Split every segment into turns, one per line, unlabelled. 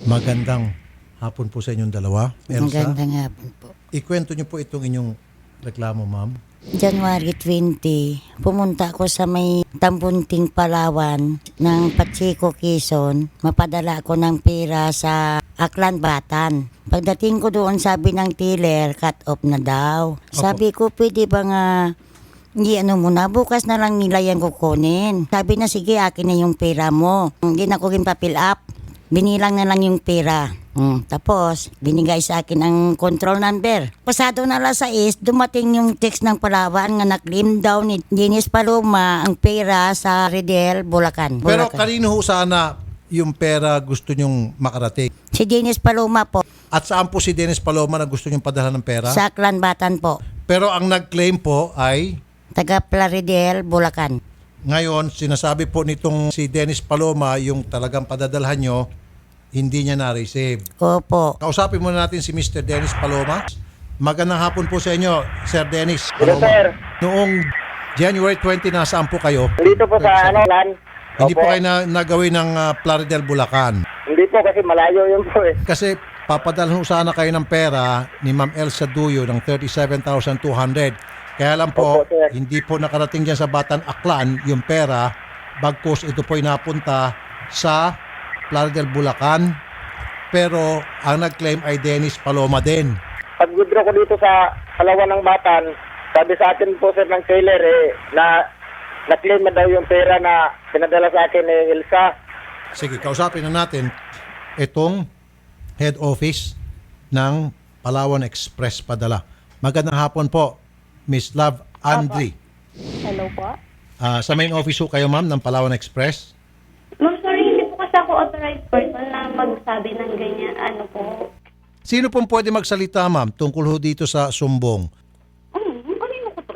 Magandang hapon po sa inyong dalawa. Elsa,
Magandang hapon po.
ikwento niyo po itong inyong reklamo, ma'am.
January 20, pumunta ako sa may Tambunting, Palawan ng Pacheco, Quezon. Mapadala ako ng pera sa Aklan, Batan. Pagdating ko doon, sabi ng dealer, cut off na daw. Sabi ko, pwede ba nga, hindi muna, bukas na lang nila yan kukunin. Sabi na, sige, akin na yung pera mo. Hindi na ko rin pa-fill up. Binilang na lang yung pera. Tapos, binigay sa akin ang control number. Pasado na alas 6, dumating yung text ng Palawan nga na-claim daw ni Dennis Paloma ang pera sa Redel, Bulacan.
Pero
Bulacan.
kanino ho sana yung pera gusto nyong makarating?
Si Dennis Paloma po,
At saan po si Dennis Paloma na gusto nyong padala ng pera?
sa Aklan, Batan po.
Pero ang nag-claim po ay,
Taga Plaridel, Bulacan.
ngayon, sinasabi po nitong si Dennis Paloma, yung talagang padadalhan nyo, hindi niya na-receive.
Opo.
Kausapin muna natin si Mr. Dennis Paloma. Magandang hapon po sa inyo, Sir Dennis
Hello,
Paloma.
sir.
Noong January 20, nasaan po kayo?
Dito po sa Lan.
Hindi po
Opo.
kayo nagawin ng Plaridel, Bulacan.
Hindi po kasi malayo yun po eh.
Kasi papadalhan sana kayo ng pera ni Ma'am Elsa Duyo ng 37,200. Kaya lang po,
Opo, sir.
hindi po nakarating dyan sa Batan Aklan yung pera. Bagkus ito po ay napunta sa Plaridel, Bulacan. Pero ang nag-claim ay Dennis Paloma din.
Pag withdraw ko dito sa Palawan ng Batan, sabi sa akin po sir ng trailer na-claim na daw yung pera na pinadala sa akin ni Elsa.
Sige, kausapin na natin itong head office ng Palawan Express padala. Magandang hapon po, Miss Love Andri.
Hello po.
Sa main office ho kayo, ma'am, ng Palawan Express.
Ma'am, sorry, hindi po kasi ako authorized person na magsabi ng ganyan. Ano po?
Sino pong pwede magsalita, ma'am, tungkol ho dito sa sumbong?
Kanino ko to?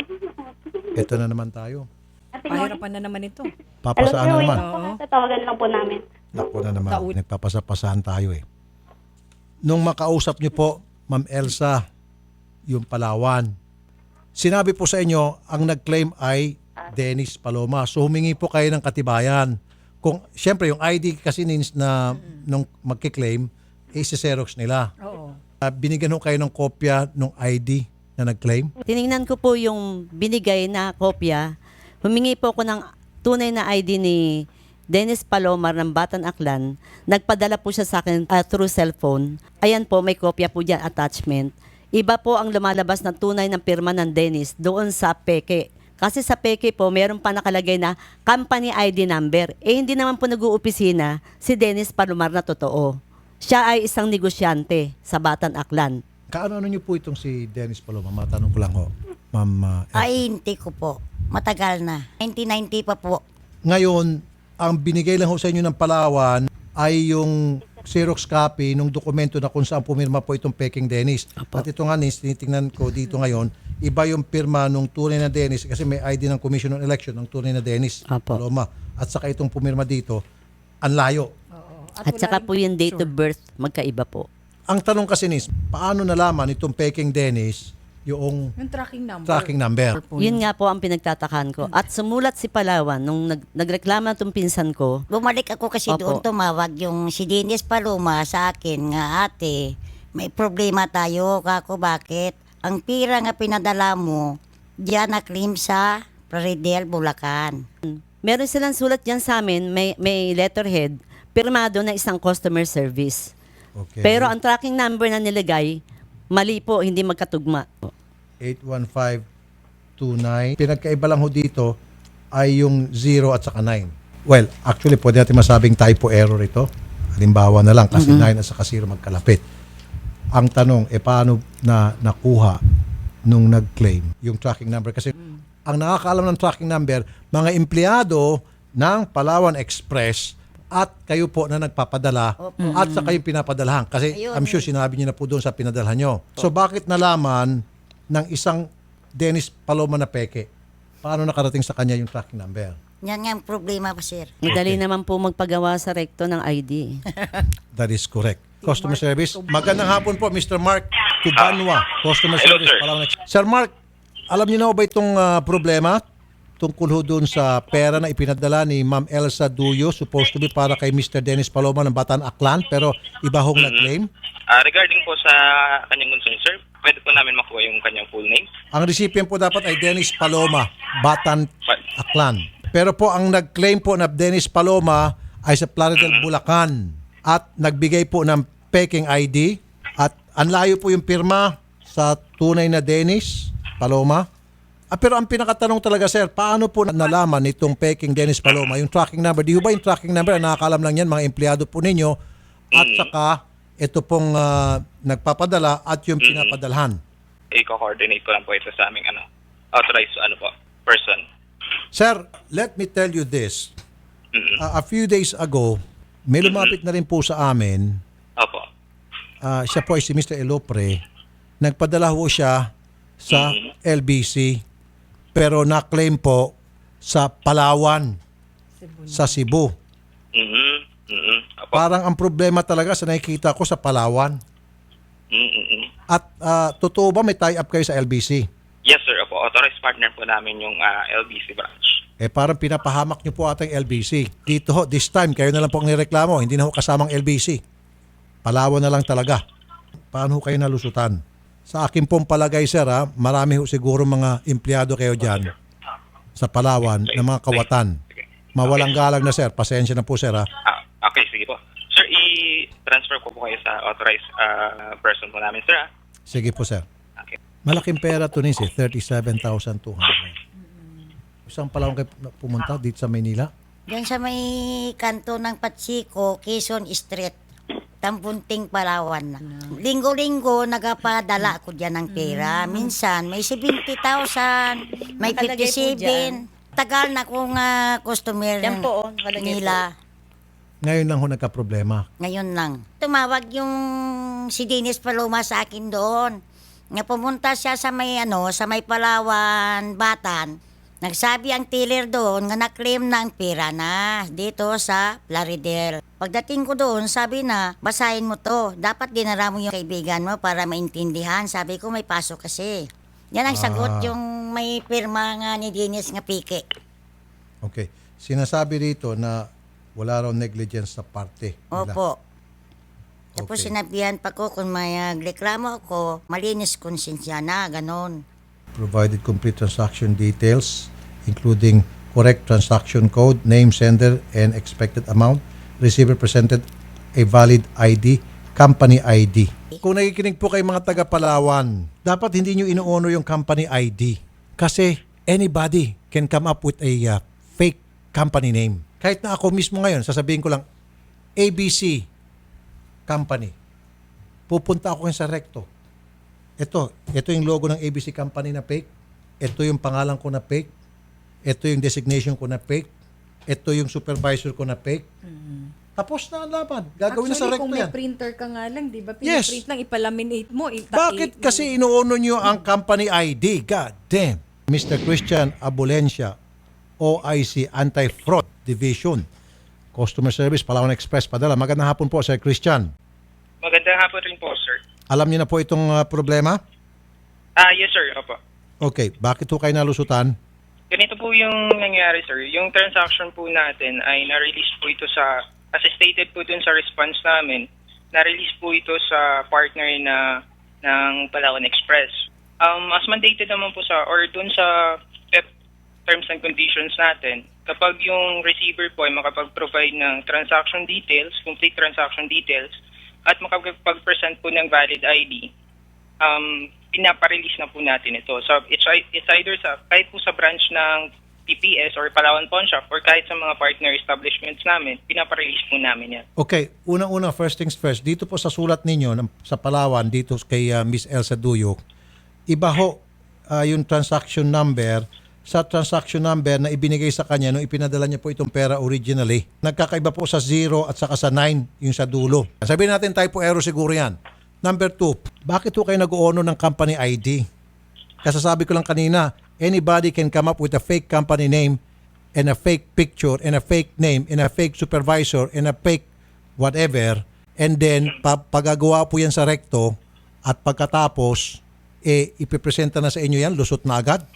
Ito na naman tayo.
Pahirapan na naman ito.
Papasaan na naman.
Tatawagan lang po namin.
Naku na naman. Nagpapasapasahan tayo eh. Nung makausap niyo po, Ma'am Elsa, yung Palawan, sinabi po sa inyo, ang nag-claim ay Dennis Paloma. So humingi po kayo ng katibayan. Kung, siyempre, yung ID kasi na nung magkiklaim, isi-xerox nila.
Oo.
Binigyan ho kayo ng kopya ng ID na nag-claim?
Tiningnan ko po yung binigay na kopya. Humingi po ako ng tunay na ID ni Dennis Palomar ng Batan Aklan. Nagpadala po siya sa akin through cellphone. Ayan po, may kopya po dyan, attachment. Iba po ang lumalabas na tunay ng pirma ng Dennis doon sa peke. Kasi sa peke po, meron pa nakalagay na company ID number. Hindi naman po nag-uopisina si Dennis Palomar na totoo. Siya ay isang negosyante sa Batan Aklan.
Kaano niyo po itong si Dennis Paloma? Matanong ko lang ho, Ma'am Elsa.
Ay, hindi ko po. Matagal na. 1990 pa po.
Ngayon, ang binigay lang ho sa inyo ng Palawan ay yung Xerox copy ng dokumento na kung saan pumirma po itong Peking Dennis. At ito nga, tinitingnan ko dito ngayon, iba yung pirma ng tunay na Dennis kasi may ID ng Commission on Election ng tunay na Dennis
Apo.
Paloma. At saka itong pumirma dito, ang layo.
At saka po yung date of birth, magkaiba po.
Ang tanong kasi nis, paano nalaman itong Peking Dennis yung
Yung tracking number.
tracking number?
Yun nga po ang pinagtatakan ko. At sumulat si Palawan nung nagreklama itong pinsan ko.
Bumalik ako kasi
Opo.
doon, tumawag yung si Dennis Paloma sa akin nga, ate, may problema tayo. Kako, bakit? Ang pira nga pinadala mo, diyan na-claim sa Plaridel, Bulacan.
Meron silang sulat dyan sa amin, may letterhead, pirmado na isang customer service.
Okay.
Pero ang tracking number na nilagay, mali po, hindi magkatugma.
81529. Pinagkaiba lang ho dito ay yung 0 at saka 9. Well, actually, pwede natin masabing typo error ito. Halimbawa na lang, kasi 9 at saka 0 magkalapit. Ang tanong, paano na nakuha nung nag-claim yung tracking number? Kasi ang nakakaalam ng tracking number, mga empleyado ng Palawan Express at kayo po na nagpapadala at sa kayo pinapadalahan. Kasi
Ayun.
I'm sure sinabi niyo na po doon sa pinadalhan nyo. So bakit nalaman ng isang Dennis Paloma na peke? Paano nakarating sa kanya yung tracking number?
Yan nga ang problema pa, sir.
Madali naman po magpagawa sa rekto ng ID.
That is correct. Customer service. Magandang hapon po, Mr. Mark Tubanwa. Customer service. Palawan Express. Sir Mark, alam niyo na ba itong problema tungkol ho doon sa pera na ipinadala ni Ma'am Elsa Duyo, supposed to be para kay Mr. Dennis Paloma ng Bataan Aklan, pero iba hong nag-claim.
Regarding po sa kanyang concern, sir, pwede po namin makuha yung kanyang full name.
Ang recipient po dapat ay Dennis Paloma, Bataan Aklan. Pero po ang nag-claim po na Dennis Paloma ay sa Plaridel, Bulacan at nagbigay po ng peking ID at ang layo po yung pirma sa tunay na Dennis Paloma. Pero ang pinakatanong talaga, sir, paano po nalaman itong peking Dennis Paloma, yung tracking number? Di ba yung tracking number, nakakalam lang yan, mga empleyado po ninyo, at saka ito pong nagpapadala at yung pinapadalhan.
I-coordinate ko lang po ito sa aming authorized person.
Sir, let me tell you this. A few days ago, may lumapit na rin po sa amin.
Opo.
Siya po ay si Mr. Elopre. Nagpadala ho siya sa LBC. Pero na-claim po sa Palawan, sa Cebu.
Opo.
Parang ang problema talaga sa nakikita ko sa Palawan. At totoo ba may tie-up kayo sa LBC?
Yes, sir. Opo. Authorized partner po namin yung LBC branch.
Parang pinapahamak niyo po ating LBC. Dito ho, this time, kayo na lang po ang nireklamo. Hindi na ho kasamang LBC. Palawan na lang talaga. Paano ho kayo nalusutan? Sa akin pong palagay, sir, marami ho siguro mga empleyado kayo dyan sa Palawan na mga kawatan. Mawalang galang na, sir. Pasensya na po, sir.
Okay, sige po. Sir, i-transfer ko po kayo sa authorized person po namin, sir.
Sige po, sir.
Okay.
Malaking pera to rin, 37,200. Isang Palawan kayo pumunta dito sa Maynila?
Diyan sa may kanto ng Patsiko, Quezon Street, Tambunting, Palawan na. Linggo-linggo, nagapadala ko dyan ng pera. Minsan, may 70,000, may
Nakalagay po
57.
dyan.
Tagal na kong customer
Yan po, nakalagay
nila.
Ngayon lang ho nagka-problema.
Ngayon lang. Tumawag yung si Dennis Paloma sa akin doon. Nga pumunta siya sa may sa may Palawan, Batan. Nagsabi ang teller doon nga na-claim na ang pera na dito sa Plaridel. Pagdating ko doon, sabi na, basahin mo to. Dapat dinara mo yung kaibigan mo para maintindihan. Sabi ko, may pasok kasi. Yan ang sagot yung may pirma nga ni Dennis nga pike.
Okay. Sinasabi rito na wala raw negligence sa parte nila.
Opo. Tapos
Okay.
sinabihan pa ko kung may reklamo ako, malinis konsensya na, ganon.
Provided complete transaction details, including correct transaction code, name, sender, and expected amount. Receiver presented a valid ID, company ID. Kung nakikinig po kayo mga taga Palawan, dapat hindi nyo ino-honor yung company ID. Kasi anybody can come up with a fake company name. Kahit na ako mismo ngayon, sasabihin ko lang, ABC Company. Pupunta ako sa recto. Ito yung logo ng ABC Company na fake. Ito yung pangalan ko na fake. Ito yung designation ko na fake. Ito yung supervisor ko na fake. Tapos na ang laban. Gagawin na sa
Actually,
recto
kung may
yan.
printer ka nga lang, di ba?
Yes.
Pinaprint lang, ipalaminate mo.
Bakit kasi inuuno nyo ang company ID? God damn. Mr. Christian Abulencia, OIC Anti-Fraud Division. Customer Service, Palawan Express, padala. Magandang hapon po, Sir Christian.
Magandang hapon rin po, sir.
Alam niyo na po itong problema?
Yes, sir. Opo.
Okay. Bakit po kayo nalusutan?
Ganito po yung nangyari, sir. Yung transaction po natin ay na-release po ito sa, as stated po dun sa response namin, na-release po ito sa partner ng Palawan Express. As mandated naman po or dun sa PEP terms and conditions natin, kapag yung receiver po ay makapag-provide ng transaction details, complete transaction details, at makapag-present po ng valid ID, pinaparelease na po natin ito. So it's either kahit po sa branch ng PPS or Palawan Pawn Shop or kahit sa mga partner establishments namin, pinaparelease po namin yan.
Okay, unang-una, first things first, dito po sa sulat ninyo sa Palawan, dito kay Miss Elsa Duyo, iba ho yung transaction number sa transaction number na ibinigay sa kanya nung ipinadala niya po itong pera originally. Nagkakaiba po sa 0 at saka sa 9 yung sa dulo. Sabihin natin typo error siguro yan. Number 2, bakit po kayo nag-o-honor ng company ID? Kasasabi ko lang kanina, anybody can come up with a fake company name and a fake picture and a fake name and a fake supervisor and a fake whatever, and then pagagawa po yan sa recto at pagkatapos ipipresenta na sa inyo yan, lusot na agad.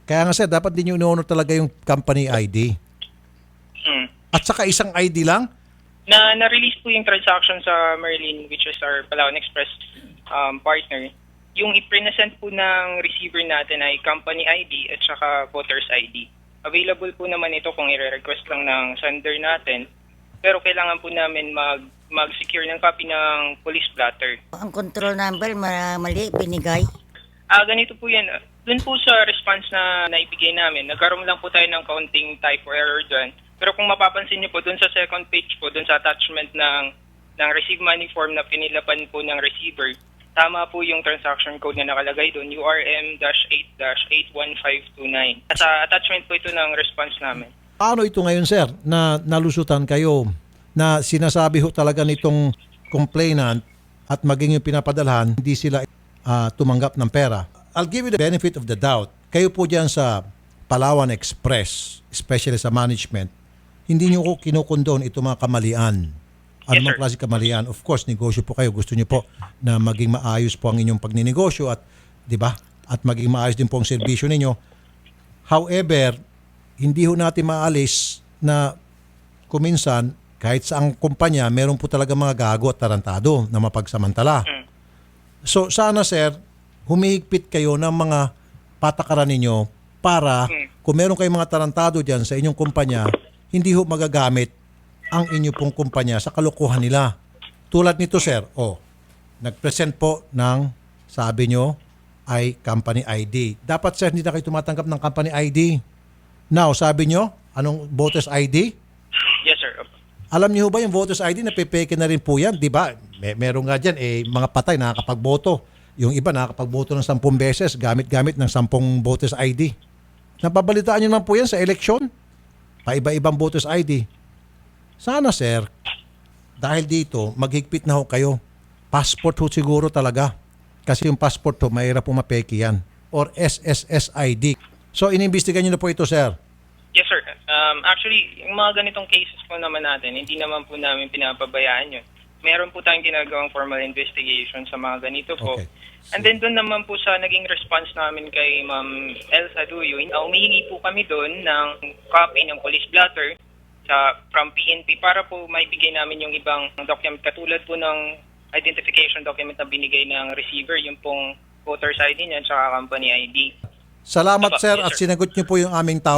Kaya nga sir, dapat din yung ino-honor talaga yung company ID. At saka isang ID lang?
Na-release po yung transaction sa Merlin, which is our Palawan Express partner. Yung i-present po ng receiver natin ay company ID at saka voter's ID. Available po naman ito kung i-request lang ng sender natin. Pero kailangan po namin mag-secure ng copy ng police blotter.
Ang control number, mali, binigay.
Ganito po yan. Doon po sa response na naibigay namin, nagkaroon lang po tayo ng counting typo error dyan. Pero kung mapapansin niyo po, doon sa second page po, doon sa attachment ng receive money form na pinilapan po ng receiver, tama po yung transaction code na nakalagay doon, URM-8-81529. Sa attachment po ito ng response namin.
Paano ito ngayon sir, na nalusutan kayo, na sinasabi ho talaga nitong complainant at maging yung pinapadalhan, hindi sila tumanggap ng pera? I'll give you the benefit of the doubt. Kayo po dyan sa Palawan Express, especially sa management, hindi nyo ko kinukondone ito mga kamalian. Ano
Yes,
mga
sir.
klase kamalian? Of course, negosyo po kayo. Gusto nyo po na maging maayos po ang inyong pagninegosyo at, di ba? At maging maayos din po ang serbisyo ninyo. However, hindi ho natin maalis na kuminsan, kahit sa ang kumpanya, meron po talaga mga gago at tarantado na mapagsamantala. So, sana sir, humihigpit kayo ng mga patakaran ninyo para kung meron kayong mga tarantado dyan sa inyong kumpanya, hindi ho magagamit ang inyo pong kumpanya sa kalokohan nila. Tulad nito sir, nag-present po ng, sabi nyo, ay company ID. Dapat sir, hindi na kayo tumatanggap ng company ID. Now, sabi nyo, anong voters ID?
Yes, sir.
Alam niyo ba yung voters ID, napipeke na rin po yan, di ba? Meron nga dyan, mga patay nakakapagboto. Yung iba nakakapagboto ng 10 beses, gamit-gamit ng 10 voters ID. Napabalitaan niyo naman po yan sa eleksyon. Paiba-ibang voters ID. Sana sir, dahil dito, maghigpit na ho kayo. Passport ho siguro talaga. Kasi yung passport ho, mahirap po mapeke yan. Or SSS ID. So, inimbestigan niyo na po ito sir.
Yes, sir. Actually, yung mga ganitong cases po naman natin, hindi naman po namin pinapabayaan yun. Meron po tayong ginagawang formal investigation sa mga ganito po.
Okay.
And then doon naman po sa naging response namin kay Ma'am Elsa Duyo, humihingi po kami doon ng copy ng police blotter from PNP para po maibigay namin yung ibang document katulad po ng identification document na binigay ng receiver, yung pong voter's ID niya at company ID.
Salamat
Aba,
sir
yes,
at
sir.
sinagot niyo po yung aming tawag.